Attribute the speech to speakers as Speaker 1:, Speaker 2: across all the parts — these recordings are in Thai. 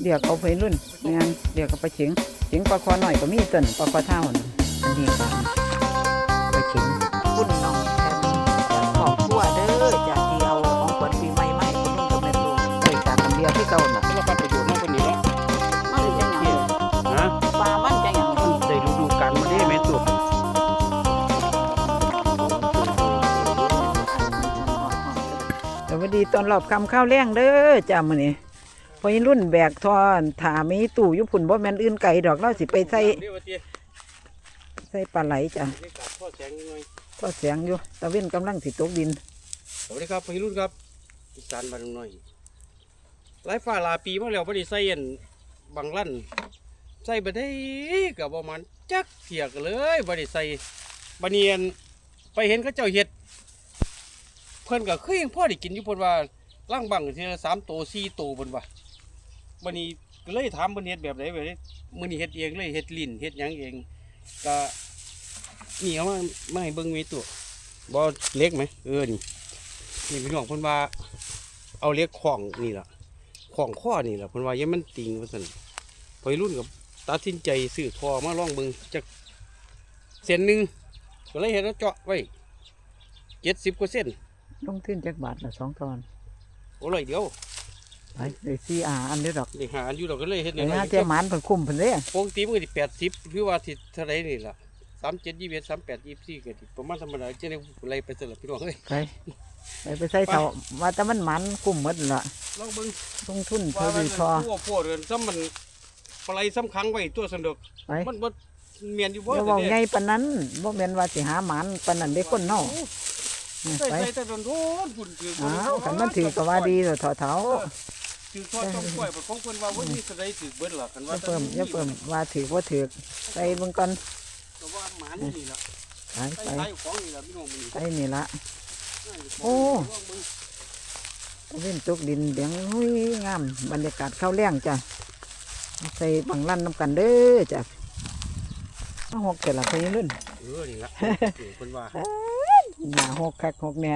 Speaker 1: เดี๋ยวเอาไปรุ่นงานเดี๋ยวก็ไปเฉียงปลาคอหน่อยก็มีต้นปลาคอเท่าน่ะอันนี้ก็ไปเฉียงพุ่นน้องแทนขอบครัวเด้อจากที่เอาของขวัญปีใหม่มาให้คุณลุงกับแม่ตู่เคยจากคนเดียวที่เก่าน่ะ
Speaker 2: แล้วก็ประโยชน์มากกว่านี้เนาะ
Speaker 1: มันจังหยัง
Speaker 2: ฮะ
Speaker 1: ปลามันจังหยัง
Speaker 2: ได้ฤดูกาลมาได้แม่ตัว
Speaker 1: สวัสดีตอนรอบคำข้าวแรงเด้อจ้ามื้อนี้พอยิรุ่นแบกทอนถามีตู้อยู่พุ่นบ่แม่นอื่นไก่ดอกเราสิไปใส่ปลาไหลจ้ะ
Speaker 2: พ่อแสงยังไง
Speaker 1: ก็เสียงอยู่ตะเว้นกำลังสิตกดิน
Speaker 2: สวัสดีครับพี่รุ่นครับอีสานบ้านน้อยหลายฝ่าหลายปีมาแล้วบ่ได้ใส่อันบางลั่นใส่บ่ได้ก็บ่มันจักเที่ยกันเลยบ่ได้ใส่บัดนี้อันไปเห็นเขาเจ้าเฮ็ดเพิ่นก็คือยังพอได้กินอยู่เพิ่นว่าล่างบังทีละ3โต4โตเพิ่นว่าบัดนี้ก็เลยถามเพิ่นเฮ็ดแบบใดแบบนี้มื้อนี้เฮ็ดเองเลยเฮ็ดลิ้นเฮ็ดหยังเองก็นี่เอามาให้เบิ่งมีตัวบ่เล็กไหมนี่พี่น้องเพิ่นว่าเอาเล็กของนี่ล่ะของข้อนี่ล่ะเพิ่นว่าอย่ามันติงว่าซั่นพอยรุ่นกับตัดสินใจซื้อทอมาลองเบิ่งจักเส้นหนึงก็เลยเฮ็ดแล้วเจาะไว้70กว่าเส้น
Speaker 1: ลงทุนจักบาทละ2 ตอน
Speaker 2: โอ้เลยเดียว
Speaker 1: ไปเลย4อันเด้อดอก
Speaker 2: ได้หาอันอยู่ดอกก็เลยเฮ็ด
Speaker 1: ไอ้หาเตรียมหมานเพิ่นคุ้มเพิ่นเด้
Speaker 2: ปกติมันก็สิ80หรือว่าสิเท่าใดนี่ล่ะ37 21 38 24ก็สิประมาณธรรมดาจังได๋ไล่ไปซั่นล่ะพี่น้องเอ้ย
Speaker 1: ไปใส่เท่าว่าแต่มันหมันคุ้มหมดล่ะ
Speaker 2: ลองเบิ่ง
Speaker 1: ลงทุน
Speaker 2: ว่า
Speaker 1: เท่า
Speaker 2: มัน
Speaker 1: ดีพอ
Speaker 2: ทั่วพวเรือนซ้ำมันปลายซ้ำค้างไว้ตัวสนุก
Speaker 1: ไป
Speaker 2: มันบ่เมียนอยู่บ่
Speaker 1: อย่าเว้าใหญ่ปานนั้นบ่แม่นว่าสิหาหมานปานนั้นเด้คนเนาะ
Speaker 2: ใส่
Speaker 1: ไป
Speaker 2: ใส่แต่โดนฝุ่นถือ
Speaker 1: อ้าวคันมันถือก็ว่าดีแล้วเถา
Speaker 2: ถือทอดต้องกล้วยบ่ของเพิ่นว่าวันนี้สะได้ถือเบิดล่ะคัน
Speaker 1: ๆอ
Speaker 2: ว่า
Speaker 1: ย่าเพิ่มว่าถือบ่ถือไปเบิ่งก่อน
Speaker 2: ก็ว่าหมานี่ล่ะ
Speaker 1: ไป
Speaker 2: ใส่ของนี่ล่ะพี่น้องมื้อ
Speaker 1: ไปนี่ละ โอ้ เว้นตกดินเดียงหุ้ยงามบรรยากาศข้าวแรงจ้ะใส่บังลั่นน้ำกันเด้อจ้ะมาหกเกิดละพยรุ่น
Speaker 2: นี่ล่ะเพิ่นว่า
Speaker 1: หน้าหกคักหกเนี่ย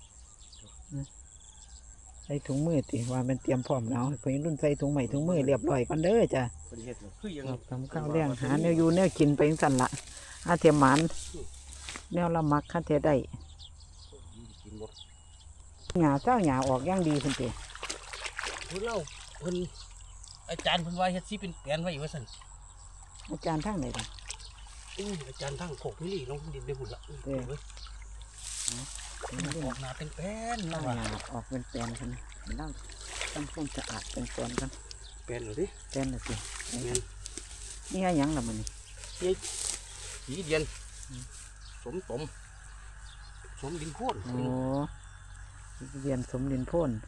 Speaker 1: ใส่ถุงมือติว่ามันเตรียมพร้อมแล้วพยรุ่นใส่ถุงใหม่ถุงมือเรียบร้อยก่อนเด้อจ้ะ
Speaker 2: เพิ่นเฮ็ดคือยัง
Speaker 1: ทำข้าวแรงหาแนวอยู่แนวกินไปจังสั่นละอาเทียมหมานแนวละมักข้าเทียได้
Speaker 2: กินบ่
Speaker 1: หญ้าเจ้าหญ้าออกอย่างดีเพิ่นติ
Speaker 2: เพิ่นเล่าเพิ่นอาจารย์เพิ่นว่าเฮ็ดสิเป็นแปลนไว้ว่าซั่น
Speaker 1: อาจารย์ทั้งไหนล่ะ
Speaker 2: อาจารย์ทางโคกนี่ลงดินได้พุ่นล่ะเว้ยออกหน้าเป็นแป้น
Speaker 1: ห
Speaker 2: นะ
Speaker 1: ญ้า
Speaker 2: ว่า
Speaker 1: ออกเป็นแปลนกันนั่งทำความสะอาดเป็นแปลนกัน
Speaker 2: แป้นเลยดิ
Speaker 1: แปลนน่ะสิ
Speaker 2: แม่น
Speaker 1: นี่ให้หยังล่ะมันนี่
Speaker 2: สีเดียนสมตมสมดินโพน
Speaker 1: โอ้เรียนสมดินโพ่น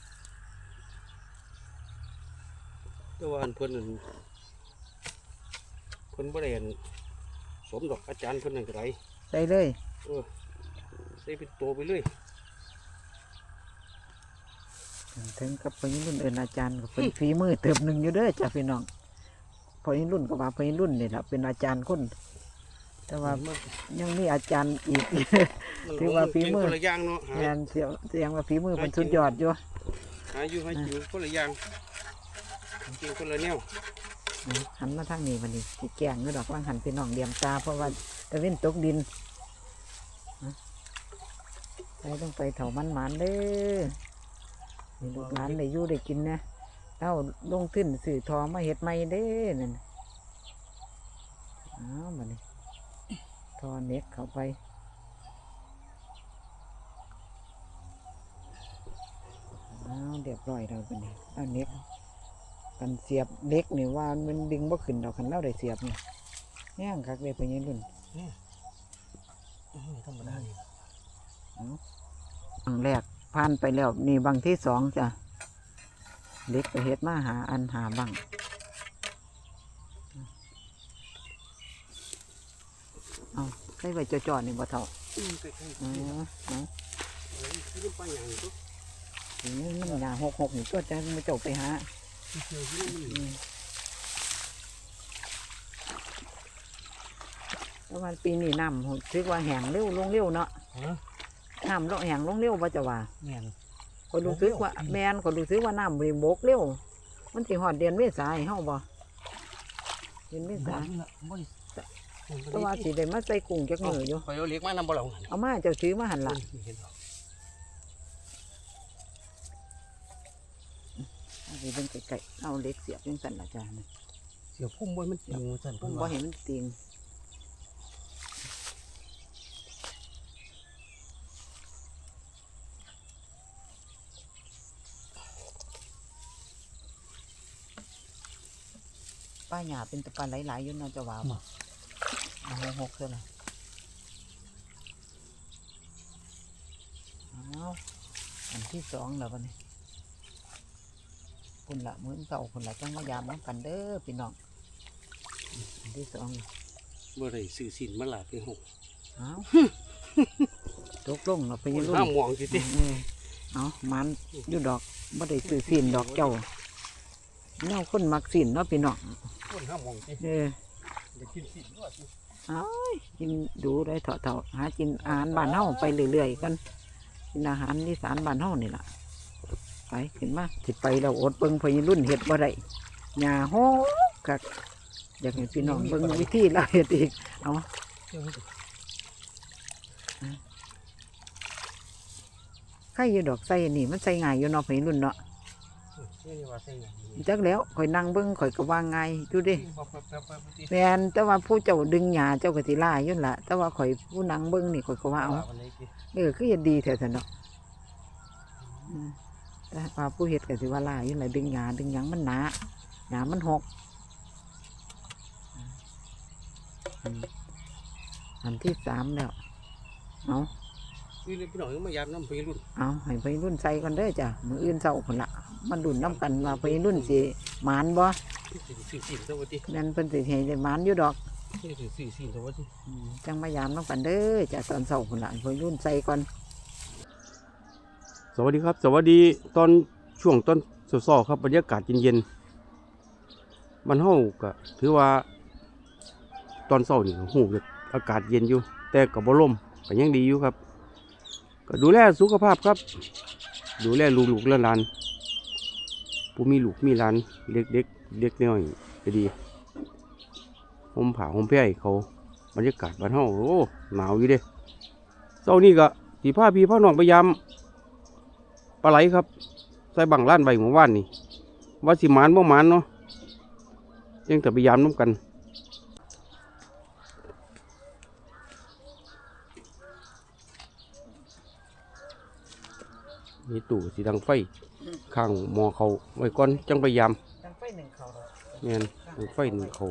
Speaker 2: แต่ว่าอันเพิ่นนั่นเพิ่นบ่ได้อันสมดอกอาจารย์เพิ่นนั่นก็ได้
Speaker 1: ใส่เลย
Speaker 2: ใส่เป็นโตไปเลย
Speaker 1: ถึงกับพยิรุ่นเอินอาจารย์ก็เป็นฝีมือเติบหนึ่งอยู่เด้อจ้ะพี่น้องพยิรุ่นก็ว่าพยิรุ่นนี่แหละเป็นอาจารย์คนแต่ว่ายังมีอาจารย์อีก ถือว่าฝีมือ
Speaker 2: คนละอย่างเนาะ
Speaker 1: แทนเสียงว่าฝีมือเป็นสุดยอดอยู่
Speaker 2: หาอยู่ให้อยู่คนละอย่างกินคนละแนว
Speaker 1: หันมาทางนี้มันนี่ที่แกงนี่ดอกว่างหันพี่น้องเดียมตาเพราะว่าตะเว้นตกดินไปต้องไปเถามันหมานเด้อนี่ลูกหลานได้อยู่ได้กินนะเอ้าลงทุนสื่อทองมาเฮ็ดใหม่เด้อนั่นอ้าวมานี่ทอเน็กเข้าไปอ้าวเรียบร้อยแล้วเป็นนี่เอาเน็กกันเสียบเล็กนี่ว่ามันดึงบ่ขึ้นดอกคันเล่าได้เสียบนี่ย่างคักเลยไปยังรุ่น
Speaker 2: ธรรมดานี่
Speaker 1: บางแรกผ่านไปแล้วนี่บางที่สองจ้ะเล็กไปเฮ็ดมาหาอันหาบังเอาใส่ไว้จ่อๆนี่บ่เท่า
Speaker 2: ใกล้ๆ
Speaker 1: อ๋อเอา
Speaker 2: นี่ปลาอย่างนี้ตัว
Speaker 1: นี่มันหยาหกนี่ตัวจะมาเจ้าไปหา
Speaker 2: เกี่ยวที่นี่
Speaker 1: ประมาณปีนี้น้ำถือว่าแห้งเร็วลงเร็วเนาะน้ำลงแห้งลงเร็วว่าจะว่า
Speaker 2: แม่น
Speaker 1: คนรู้สึกว่าแมนคนรู้สึกว่าน้ำบริบกเร็วมันสิฮอดเดือนเมษาให้เฮาบ่เดือนเมษาแต่ว่าสิได้มาใส่กุ้งจักมื้ออยู่
Speaker 2: ข่อยเอาเล็กมานำบ่ล่ะ
Speaker 1: เอามาเจ้าถือมาหั่นล่ะเอาไปเบิ่งไกลๆเอาเหล็กเสียบจังซั่นล่ะจ้านะ
Speaker 2: เสียพุ่มบ่มันติงซั่น
Speaker 1: ผมบ่เห็นมันติงป้าหญ้าเป็นตะปาหลายๆอยู่เนาะจะว่าบ่เอาหกเท่านั้นเอาอันที่สองแล้วบัดนี้คุณละมื้อเก่าคุณละจังมายามน้ำกันเด้อพี่น้องอันที่สอง
Speaker 2: บ่ได้ซื้อสินมาหลาไปหก
Speaker 1: เอาตกลงเราไปยืนรุ่น
Speaker 2: ห้ามมองสิติ
Speaker 1: เอามันอยู่ดอกบ่ได้ซื้อสินดอกเจ้าเน่าคนมักสินเนาะพี่น้อง
Speaker 2: คนห้ามมองสิ ได้กินสินด้วยสิ
Speaker 1: เอากินดูได้เถาะหากินอาหารบ้านเฮาไปเรื่อยๆกันกินอาหารอีสานบ้านเฮานี่ล่ะไปขึ้นมาสิไปเราอดเบิ่งพอยืนรุ่นเฮ็ดบ่ได้หญ้าโหกักอยากให้พี่น้องเบิ่งวิธีเราเฮ็ดอีกเอาใครอยู่ดอกใส่นี่มันใส่ง่ายอยู่เนาะพอยืนรุ่นเนาะ
Speaker 2: นี่ว่าใส่หยัง
Speaker 1: จักแล้วข่อยนั่งเบิ่งข่อยก็ว่าง่ายอยู่เดิ
Speaker 2: แป๊บๆๆติ
Speaker 1: แม่นแต่ว่าผู้เจ้าดึงหญ้าเจ้าก็สิล่าอยู่นั่นล่ะแต่ว่าข่อยผู้นั่งเบิ่งนี่ข่อยก็ว่าเอา
Speaker 2: วันนี้สิ
Speaker 1: คือเฮ็ดดีแท้ๆเนาะแต่ว่าผู้เฮ็ดก็สิว่าล่าอยู่นั่นล่ะดึงหญ้าดึงหยังมันหนาหญ้ามันหกอันที่สามแล้วเอา
Speaker 2: พี่พี่น้องมายามน้ำไปรุ่น
Speaker 1: เอาให้ไปรุ่นใส่ก่อนเด้อจ้ะมื้ออื่นเช้าพุ่นละมันดุนน้ำกันว่าไปรุ่นสิหมานบ่
Speaker 2: ซื้อสินซะว่าติ
Speaker 1: แม่นเพิ่นสิให้ได้หมานอยู่ดอก
Speaker 2: ซื้อสินซะว่าติ
Speaker 1: จังมายามน้ำกันเด้อจ้ะตอนเช้าพุ่นละไปรุ่นใส่ก่อน
Speaker 2: สวัสดีครับ สวัสดีตอนช่วงต้นซ้อๆครับบรรยากาศเย็นๆมันเฮาก็ถือว่าตอนเช้านี่ฮู้อากาศเย็นอยู่ แต่ก็บ่ลมก็ยังดีอยู่ครับ ก็ดูแลสุขภาพครับ ดูแลลูกๆหลานๆผู้มีลูกมีหลานเด็กๆเด็กน้อยก็ดีห่มผ้าห่มแพรให้เขาบรรยากาศบ้านเฮาโอ้หนาวอยู่เด้เช้านี้ก็สิพาพี่พาน้องไปยามปลาไหลครับใส่บังล้านใบหมู่บ้านนี่ว่าสิหมานบ่หมานเนาะยังแต่พยายามน้ำกันมีตู้สีดังไฟข้างหมอเขาไว้ก่อนจังพยายาม
Speaker 1: จังไฟหนึ่งเขาดอก
Speaker 2: แม่นดังไฟหนึ่งเขา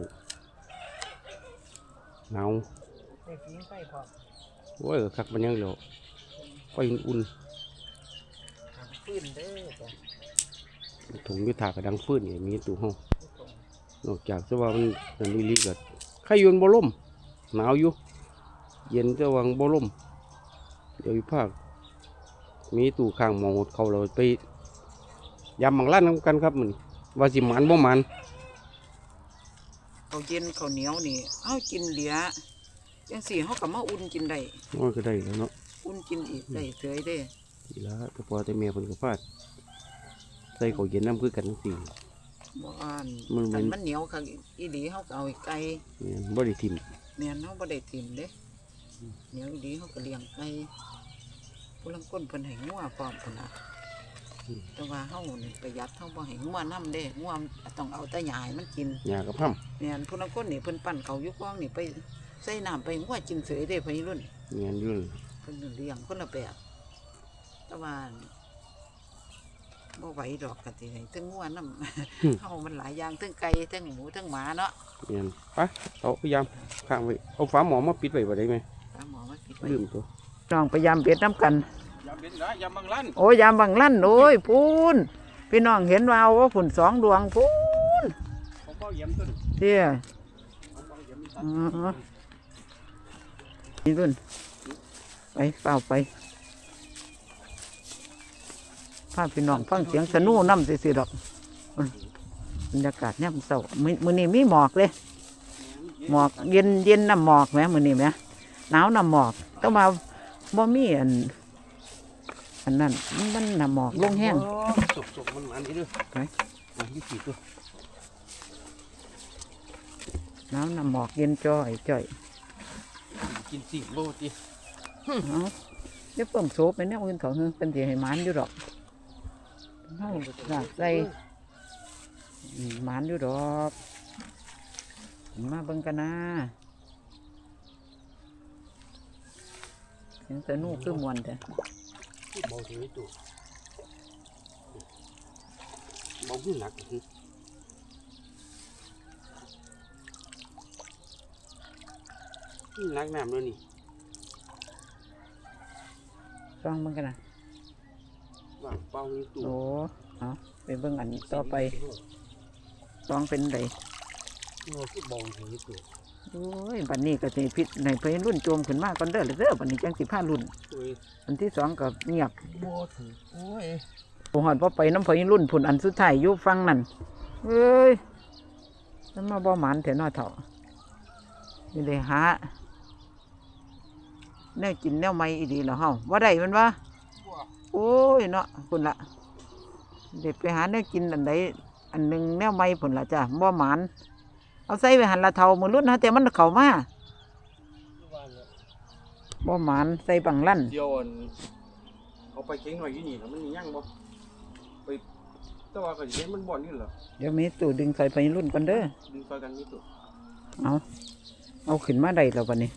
Speaker 2: หนาว
Speaker 1: ได้ฟิงไฟพอ
Speaker 2: โอ้ยคักมันยังเหลียวไฟอุ่น
Speaker 1: ฟื้นเด้อจ้ะ
Speaker 2: ถุงยุทธากระดังฟื้นนี่มีตู้ห้องนอกจากจะว่ามันนั่นลีๆก็ไข่ยนบ่ล่มหนาวอยู่เย็นจะวังบ่ล่มเดี๋ยวอีภาคมีตู้ข้างหมองหดเขาเราไปยำบังล้านน้ำกันครับมันว่าสิหมันบ่หมัน
Speaker 1: เขาเย็นเขาเหนียวนี่เอากินเหลือจังสี่เขาก็มาอุ่นกินได้
Speaker 2: มันก็ได้แล้วเนาะ
Speaker 1: อุ่นกินอีกได้เฉยเด้
Speaker 2: ทีละแต่พอแต่แม่เพิ่นก็พาดใส่เขาวเย็นน้ำคือกันสิ
Speaker 1: บ่อ่าน
Speaker 2: มัน
Speaker 1: คันมันเหนียวค่ะอีหลีเขาก็เอาไก่
Speaker 2: เนี่ยบ่ได้ทิ่ม
Speaker 1: แม่นเขาบ่ได้ทิ่มเด้เหนียวอีหลีเขาก็เลี้ยงไก่ผู้ลังก้นเพิ่นให้งัวพร้อมพุ่นน่ะแต่ว่าเฮานี่ประหยัดเฮาบ่ให้งัวนํเด้งัวต้องเอาแต่หญ้าให้มันกิน
Speaker 2: หญ้ากับห้
Speaker 1: แม่นผู้ลังก้นนี่เพิ่นปั่นเขาอยู่กองนี่ไปใส่น้ำไปงัวกินเสยเด้พี่รุ่น
Speaker 2: ำเนี่ยอยู่นั่น
Speaker 1: เพิ่นเลี้ยงคนละแบบแต่ว่าบ่ไหวดอกกะสิให้ทั้งงัวน้ำ เฮามันหลายอย่างทั้งไก่ทั้งหมูทั้งหมาเนาะ
Speaker 2: เนี่ยไปเอาพยายามข้างไว้เอาฝาหม้อมาปิดไว้บ่ได้ไหม
Speaker 1: ตามหมอมาปิดไว้
Speaker 2: ลืมตัว
Speaker 1: น้องพยายามเบ็ดน้ำกัน
Speaker 2: ยำเป็นนะยำบางล้าน
Speaker 1: โอ้ยยามบังลั่นโอ้ยพูนพี่น้องเห็นว่าว่าฝุ่นสองดวงพูน
Speaker 2: เขาก็ยำต้น
Speaker 1: เตี้ย
Speaker 2: เขาก็ยำ
Speaker 1: อ๋อนี่รุ่นไปเปล่าไปพาพี่น้องฟังเสียงสนู่น้ำสิดอกบรรยากาศย่ำเศร้ามื้อนี้มีหมอกเลยหมอกเย็นน้ำหมอกไหมมื้อนี้ไหมหนาวน้ำหมอกต้องมาบ่มีอันนั้นมันน้ำหมอกลงแห้ง
Speaker 2: สุกมันมันนี่ด้วย
Speaker 1: ไป
Speaker 2: ยี่สิบตัว
Speaker 1: น้ำหมอกเย็นจ่อย
Speaker 2: กิน10 โลติ
Speaker 1: เอาเดี๋ยวเพิ่มโซบไปเนี่ยอื่นเขาเป็นสิให้หมานอยู่ดอกเฮาลากใส่หมานอยู่ดอกมาเบิ่งกันนะเสียงสนุกคือมวนแต่
Speaker 2: เบาถึงนี่ตัวเบาขึ้นหนักหนักน้ำแล้วนี่
Speaker 1: ฟังเบิ่งกันนะ
Speaker 2: ว่างเป้านี่ตัว
Speaker 1: โอ้เอาไปเบิ่งอันต่อไปลองเป็นได
Speaker 2: เราคือเบาถึงนี่ตัว
Speaker 1: โอ้ยบัดนี้ก็สิพิษในเพิ่นรุ่นโจมขึ้นมาก่อนเด้อเด้อบัดนี้จังสิพารุ่น
Speaker 2: โอ้ย
Speaker 1: อันที่สองก็เงียบ
Speaker 2: บ่ถือโอ้ย
Speaker 1: โอ้หอดพอไปน้ำเพิ่นรุ่นผุนอันสุดท้ายอยู่ฟังนั่นเอ้ยมันมาบ่หมานแต่น้อยเถ่านี่เลยหาแนวกินแนวไม่อีดีเหรอเฮาว่าได้มันวะโอ้ยเนาะพุ่นละเด็ดไปหาแนวกินอันใดอันหนึ่งแนวไม่พุ่นละจ้ะบ่หมานเอาใส่ไปหันละเท่ามือรุ่นนะแต่มันเข้ามาบ่หมานใส่บังลั่น
Speaker 2: เดี๋ยวเอาไปเค็งหน่อยอยู่นี่แล้วมันมียั่งบ่ไปแต่ว่าก็สิเห็นมันบ่อนนี่เหรอ
Speaker 1: เดี๋ยวมีตู่ดึงใส่ไปรุ่นกันเด้อ
Speaker 2: ดึงซอยกันนี่ตัว
Speaker 1: เอาขึ้นมาได้แล้ววันนี้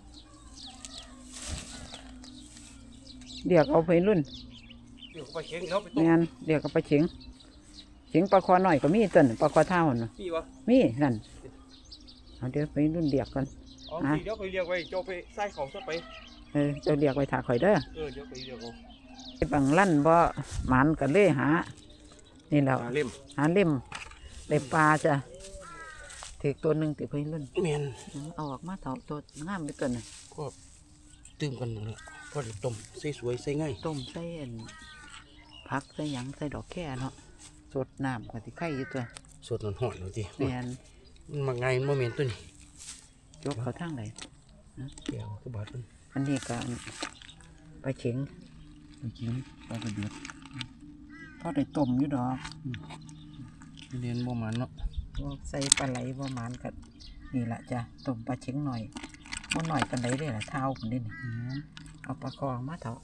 Speaker 1: เดี๋ยวเอาไปรุ่น
Speaker 2: เดี๋ยวไปเค็งแล้วไปต้
Speaker 1: แม่
Speaker 2: ม
Speaker 1: นเดี๋ยวก็ไปเฉียงปลาคอหน่อยก็มีต้นปลาคอเท่าน่ะ
Speaker 2: พี่วะ
Speaker 1: มีนั่นเอาเดี๋ยวไปรุ่นเดียกกัน
Speaker 2: อ๋อพี่เดี๋ยวไปเรียกไว้เจ้าไปใส่ของซะไป
Speaker 1: เจ้าเรียกไว้ถาข่อยเด้อ
Speaker 2: เดี๋ยวไปเรียกเอา
Speaker 1: ไอ้บังลั่นบ่หมันกันเลยหานี่แล้ว
Speaker 2: เล่ม
Speaker 1: หาเล่มได้ปลาจ้ะถือตัวหนึ่งติไปรุ่น
Speaker 2: แม่น
Speaker 1: เอาออกมาเถาตัวงามไปตัวน่ะ
Speaker 2: ก็ตื่มกันนั่นแหละพอได้ต้มใส่สวยใส่ง่าย
Speaker 1: ต้มใส่อันผักใส่หยังใส่ดอกแค่เนาะสดน้ำก็สิไข่อยู่ตัว
Speaker 2: สดหอนๆหน่อยดิ
Speaker 1: แม่น
Speaker 2: มันมาง่ายมันบ่แม่นตัวนี้
Speaker 1: ยกเขาทางไหน
Speaker 2: แก้วคือบาดมัน
Speaker 1: อันนี้ก็ไปเฉียง
Speaker 2: ไปกินปลากระเดือด
Speaker 1: พอได้ต้มอยู่ดอก
Speaker 2: เรียนบ่มันเนาะ
Speaker 1: พวกใส่ปลาไหลประมาณกับนี่แหละจ้ะต้มปลาเฉียงหน่อยบ่หน่อยกันไหนได้ล่ะเท้าคนนี้นี่เอาปลาคอมาเถา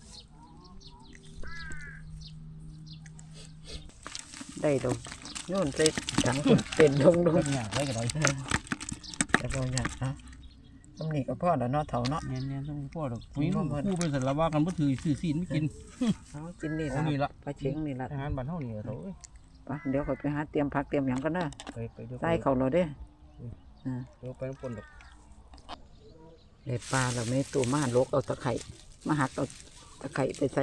Speaker 1: ได้ดอกโน่นใส่ถังเป็นดง
Speaker 2: อยากไว้ก็ได้
Speaker 1: แต่บ่อยากนะตำนี้ก็พ่อแล้วเนาะเถาเนาะ
Speaker 2: แม่นๆต้องพ่อดอกปุ๋ยมันคู่ไปสันละว่ากันบ่ถือซื้อซีนไม่กิน
Speaker 1: เอากินนี่
Speaker 2: เอานี่
Speaker 1: ละ
Speaker 2: ละ
Speaker 1: ปลาเฉียงนี่ละ
Speaker 2: อาหารบ้านเฮานี่เถอะเอ้ย
Speaker 1: ไปเดี๋ยวข่อยไปหาเตรียมผักเตรียมหยังกันเด้อ
Speaker 2: ไปเดี๋ยว
Speaker 1: ใส่เขาเราเด้อ
Speaker 2: เดี๋ยวไปน้ำปนดอก
Speaker 1: ได้ปลาเราไม่ตัวมาลกเอาตะไคร่มาหักเอาตะไคร่ไปใส่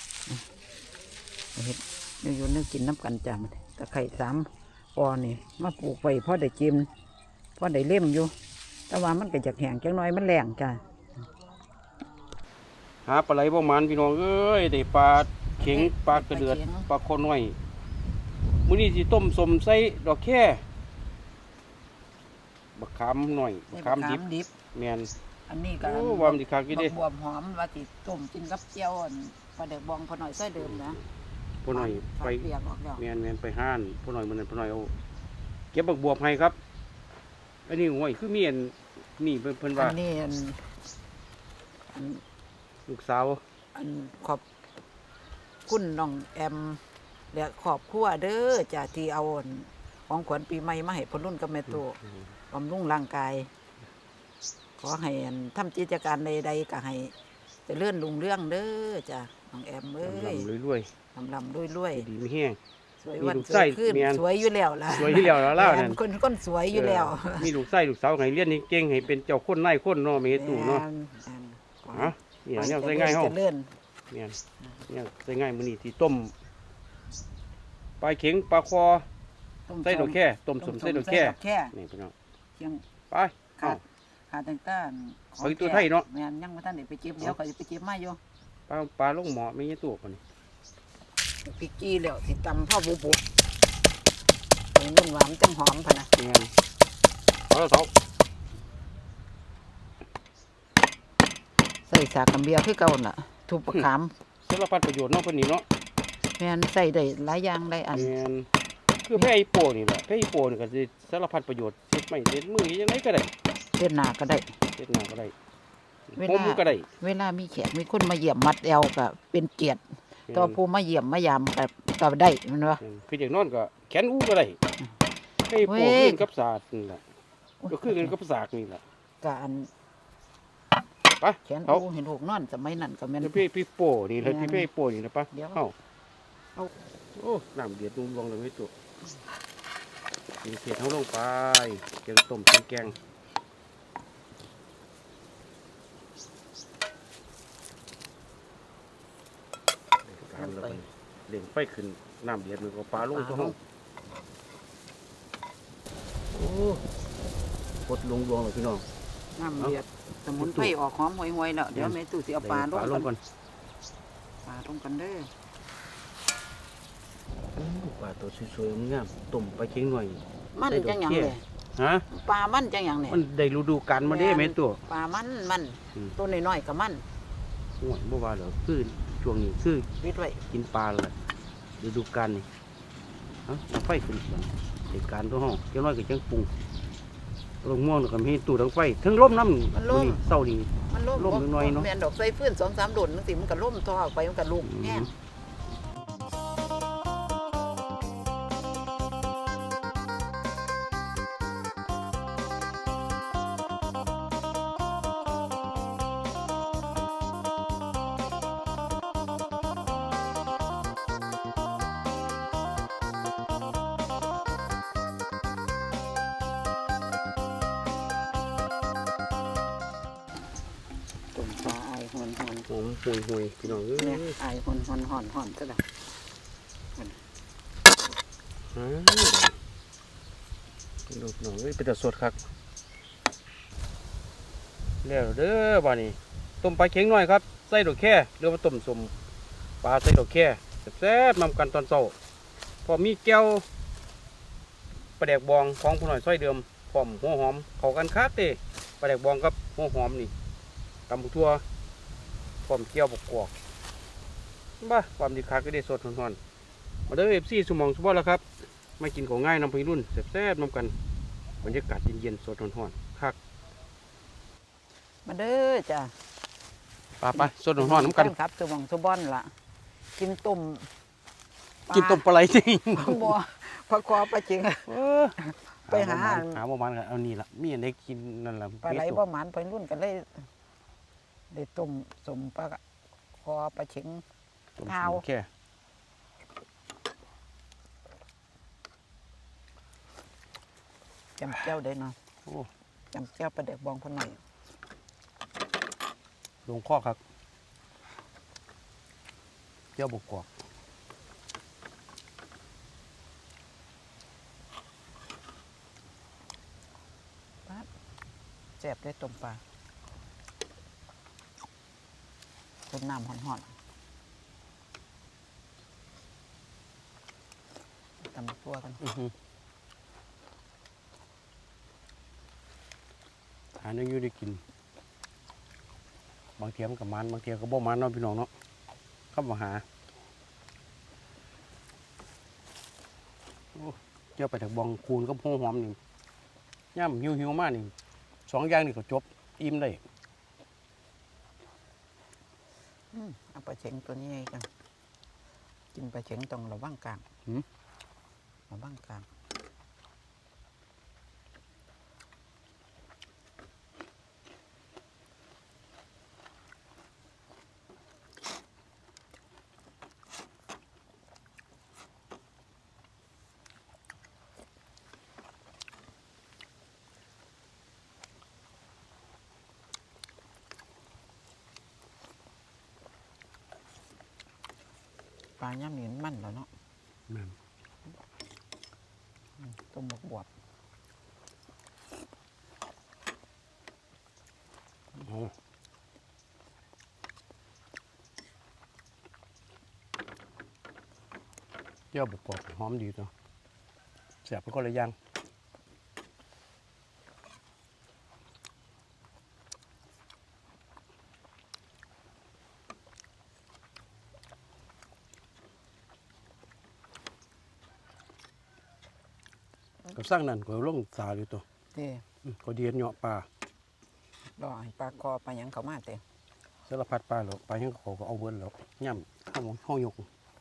Speaker 1: เห็ดเนื้อโยนเนื้อกินน้ำกันจ้ามันตะไคร่3 ปอนี่มาปลูกไว้พอได้จิ้มพอได้เล่มอยู่ แต่ว่ามันก็จากแห้งจังน้อยมันแรงจ้า
Speaker 2: หาปลาไหลบ่มันพี่น้องเอ้ยได้ปลาเข็งปลากระเดือดปลาคอน้อยมื้อนี้สิต้มสมใส่ดอกแค่บักขามหน่อยบักขามดิบแม่น
Speaker 1: อันนี้ก็
Speaker 2: โอ้วามนสิคักอยู่เด้
Speaker 1: บวบหอมว่าติต้มกินกับเจียวปลาเด็กบองพอหน่อยใส่เดิมนะ
Speaker 2: พ่อหน่อยไป
Speaker 1: เปียกออกแล้ว
Speaker 2: แม่นไปห้านพ่อหน่อยมื้อนั้นพ่อหน่อยเอาเก็บบักบวบให้ครับอันนี้โอ้ยคือมีอันนี่เพิ่นว่า
Speaker 1: อันนี้อัน
Speaker 2: ลูกสาว
Speaker 1: อันขอบคุณน้องแอมและขอบครัวเด้อจ้าที่เอาอันของขวัญปีใหม่มาให้พ่อรุ่นกับแม่ตัวบำรุงร่างกาย ขอให้อันทำกิจการใดๆก็ให้เจริญรุ่งเรื่องเด้อจ้าน้องแอมเอ้ย
Speaker 2: ลำรวย
Speaker 1: ลำรวย
Speaker 2: ๆดีไม่แห้ง
Speaker 1: สวยวัน
Speaker 2: มีลูก
Speaker 1: ส
Speaker 2: ไส้
Speaker 1: วยขึ้น
Speaker 2: เมียน
Speaker 1: สวยอยู่แล้วล่ะ
Speaker 2: สวยที่แล้วแล้วเล่านั่น
Speaker 1: คนสวยอยู่แล้ว
Speaker 2: มีลูกไส้ลูกสาวให้เรียนเก่งให้เป็นเจ้าคนนายคนเนาะมีตู่เนาะ ฮะเนี่ยใส่ง่ายเฮา
Speaker 1: เจริญ
Speaker 2: เนี่ยใส่ง่ายมื้อนี้ที่ต้มปลาเข็งปลาคอใส่ดอกแค่ต้มสมใส่ดอกแค่นี่พี่น้อง
Speaker 1: เชียง
Speaker 2: ไป
Speaker 1: ขาดแต่งต้าน
Speaker 2: เอาอีกตัวไทยเนาะ
Speaker 1: แม่นยังบ่ทันได้ไปเก็บเดี๋ยวก็จะไปเก็บมาอยู่
Speaker 2: ปลาลงหมอไม่ใช่ตัวปะนี่
Speaker 1: พริกจี้แล้วสิตำพ่อบุบุไปนุ่มหวานจังหอมพะนะ
Speaker 2: เนี่ยเอาแล้วเสา
Speaker 1: ใส่สากกับเบียร์คือเก่าน่ะทุบประขาม
Speaker 2: สารพัดประโยชน์เนาะเพิ่นนี่เนาะ
Speaker 1: แม่นใส่ได้หลายอย่างได้อัน
Speaker 2: แม่นคือแพร่อีโปนี่แหละแพร่อีโปนี่ก็สิสารพัดประโยชน์เฮ็ดไม้เฮ็ดมือยังไงก็ได้
Speaker 1: เฮ็ดหน้าก็ได้
Speaker 2: เฮ็ดหน้าก็ได้
Speaker 1: เว
Speaker 2: ผ
Speaker 1: ลา
Speaker 2: มก็ได้
Speaker 1: เวลามีแขกมีคนมาเยี่ยมมัดแอวก็เป็นเกียรติต่อผู้มาเยี่ยมมายามก็ได้แมันว่า
Speaker 2: คืออย่างนอนก็แขนอู้ก็ได้แพร่อีโป
Speaker 1: เว้ย
Speaker 2: ขึ้นกับศาสตร์นี่แหละก็คือกันกับศาสตร์นี่แหละ
Speaker 1: ก็อัน
Speaker 2: ไป
Speaker 1: แขน
Speaker 2: เอา
Speaker 1: โอ้เห็นลูกนอนสมัยนั้นก็แม่น
Speaker 2: พี่โปนี่เลยพี่โปนี่นะปะ
Speaker 1: เดี๋ยว
Speaker 2: เอาโอ้น้ำเดือดลงเลยไม่ตัวกินเสร็จเอาลงไปแกงต้มแกงการแล้วมันเล่งไฟขึ้นน้ำเดือดมันก็ปลาลงตัวห้องโอ้กดลงเลยพี่น้อง
Speaker 1: น้ำเดือดสมุนไพรออกหอมห่วยๆแล้วเดี๋ยวแม่ตู้สิเอาปลาลง
Speaker 2: ลง
Speaker 1: กั
Speaker 2: ก่อน น
Speaker 1: ปลาลงกันเด้อ
Speaker 2: ปลาตัวสวยๆงามต้มไปเคียงหน่อย
Speaker 1: มันจังหยังเลย
Speaker 2: ฮะ
Speaker 1: ปลามันจังหยังเนี่ย
Speaker 2: มันได้ฤดูกาลมาเด้แม่ตัว
Speaker 1: ปลามัน
Speaker 2: อืม
Speaker 1: ตัวน้อยๆก็มัน
Speaker 2: โอ้ยบ่ว่าเหรอคือช่วงนี้คือ
Speaker 1: ปิดไว้
Speaker 2: กินปลาเลยฤดูกาลนี่เอาไฟขึ้นก่อนเหตุการณ์ตัวห้องเจ้าน้อยก็จังปรุงลงม่วงแล้วก็มีตู้ดังไฟทั้งลมน้ำนี่เศร้านี่
Speaker 1: มันล่ม
Speaker 2: ล่มน้อยๆเนาะ
Speaker 1: แม่นดอกไฟฟื้น2-3โดนจังซี่มันก็ล่มท่อออกไปมันก็ลุกแห้ง ต้มปลาไอหอน
Speaker 2: หอมห่วยๆพี่น้องเอ้
Speaker 1: ๆเนี่ย
Speaker 2: ย
Speaker 1: ไอหอนซะแล้ว
Speaker 2: ลูกน้องเอ้ยเป็นแต่สดครับแล้วเด้อบ้านี้ต้มปลาเค็งหน่อยครับใส่ดอกแค่เรือว่าต้มสมปลาใส่ดอกแค่แซ่บๆนำกันตอนเช้าพอมีแก้วปลาแดกบองของผู้หน่อยซอยเดิมพร้อมหัวหอมเข้ากันคักเด้ปลาแดกบองกับหัวหอมนี่ตำบักทั่วพร้อมแก้วบกกอกบ้าความดีคักก็ได้สดหอนๆมาเด้อFCสมองสมบัติแล้วครับไม่กินของง่ายนำไปรุ่นแซ่บๆนำกันบรรยากาศเย็นๆสดหอนๆคัก
Speaker 1: มาเด้อจ้ะ
Speaker 2: ไปสดหอนๆน้ำกัน
Speaker 1: ครับสมองสบอนล่ะกินต้ม
Speaker 2: กินต้มปลาไหลจริง
Speaker 1: บ่พระคอปลาจริง ไปหา
Speaker 2: ประมาณกันเอานี่ละมีอันได้กินนั่นแหละ
Speaker 1: ปลาไหลบ่หมานไปรุ่นกันเลยได้ต้มสมปลาคอปลาเชิง เท้า
Speaker 2: โอเค
Speaker 1: จำแก้วได้เนาะ
Speaker 2: โอ้
Speaker 1: จำแก้วปลาเด็กบองคนหน่อย
Speaker 2: ลงข้อครับเจ้าบกกอก
Speaker 1: แซ่บได้ต้มปลาต้มน้ำห่อนๆตำตัวกัน
Speaker 2: หาเนื้ออยู่ได้กินบางเทียมนกับมันบางเทียก็บ่มันเนาะพี่น้องเนาะเข้ามาหาโอ้เจ้าไปถึงบองคูนก็พงหอมนี่ย่ำหิวมากนี่2 อย่างนี่ก็จบอิ่มได้
Speaker 1: เอาปลาเชิงตัวนี้กันกินปลาเชิงต้องระวังกลางระวังกลางปลาย่ำหนีมันแล้วเนาะ
Speaker 2: แม่น
Speaker 1: ต้มบวบ
Speaker 2: โอ้เจ้าบกกอกหอมดีเนาะแซ่บเป็นคนละอย่างสร้างนั่นก็ลงสาอยู่ตัว
Speaker 1: เต้
Speaker 2: ก็เดียนเหาะปลาร
Speaker 1: อให้ปลาคอปลาหยังเขามาเต้
Speaker 2: สารพัดปลาแล้วปลายังเขาก็เอาเบิ้ลแล้วย่ำห้องยก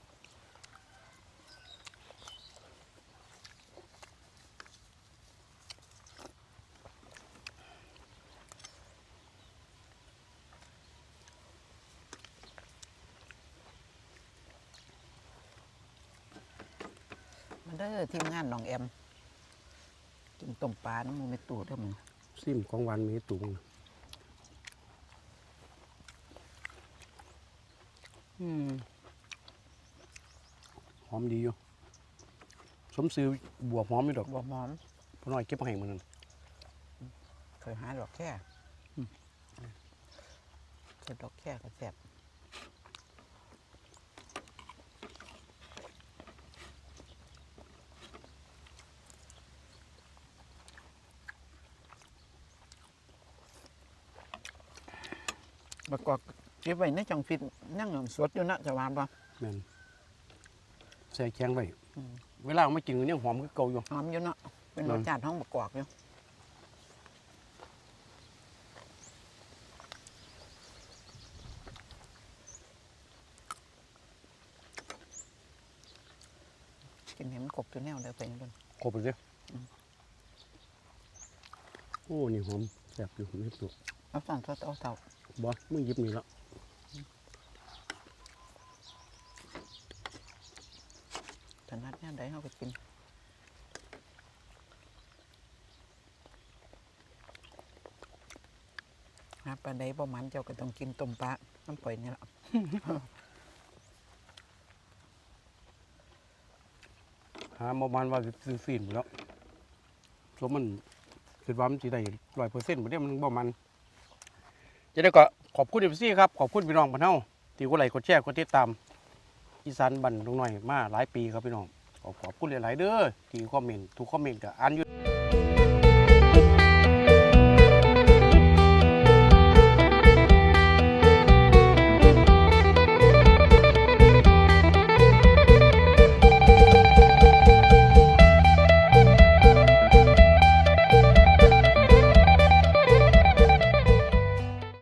Speaker 1: มาเด้อทีมงานน้องแอมกินต้มปลาน้ำมูไม่ตูดเด้อมึง
Speaker 2: ซิมของหวานมีตุงหอมดีอยู่สมซื้อบวบหอมอยู่ดอก
Speaker 1: บัวหอม
Speaker 2: พอน้อยเก็บมาให้มันนั่น
Speaker 1: เคยหาดอกแค่เคยดอกแค่ก็แซ่บประกอบเก็บไว้ในจังฟิตนั่งสดอยู่นะจะว่าบ่
Speaker 2: แม่นใส่แข็งไว้เวลาเอามากินก็ยังหอมคือเก่าอยู่
Speaker 1: หอมอยู่เนาะเป็นรสชาติท้องประกอบอยู่กินเห็นมันกบตัวแนวเลยไปนั่น
Speaker 2: ครบเลยโอ้นี่หอมแซ่บอยู่ไม่ตุก
Speaker 1: เอาสั่งทอดเอาเต่า
Speaker 2: บ่มือหยิบนี่แล้ว
Speaker 1: ถนัดแนวใดเขาก็กินหาปลาใดบ่มันเจ้าก็ต้องกินต้มปลาน้ำปล่อยนี่แหละ
Speaker 2: หาประมาณว่าซื้อฟีนหมดแล้วสมมันคิดว่ามันสิได้100%บ่ได้มันบ่มันจะได้ก็ขอบคุณFCครับขอบคุณพี่น้องบ้านเฮาที่กดไลค์กดแชร์กดติดตามอีสานบ้านดงน้อยมาหลายปีครับพี่น้องขอบคุณหลายๆเด้อที่คอมเมนต์ทุกคอมเมนต์ก็อ่านอยู่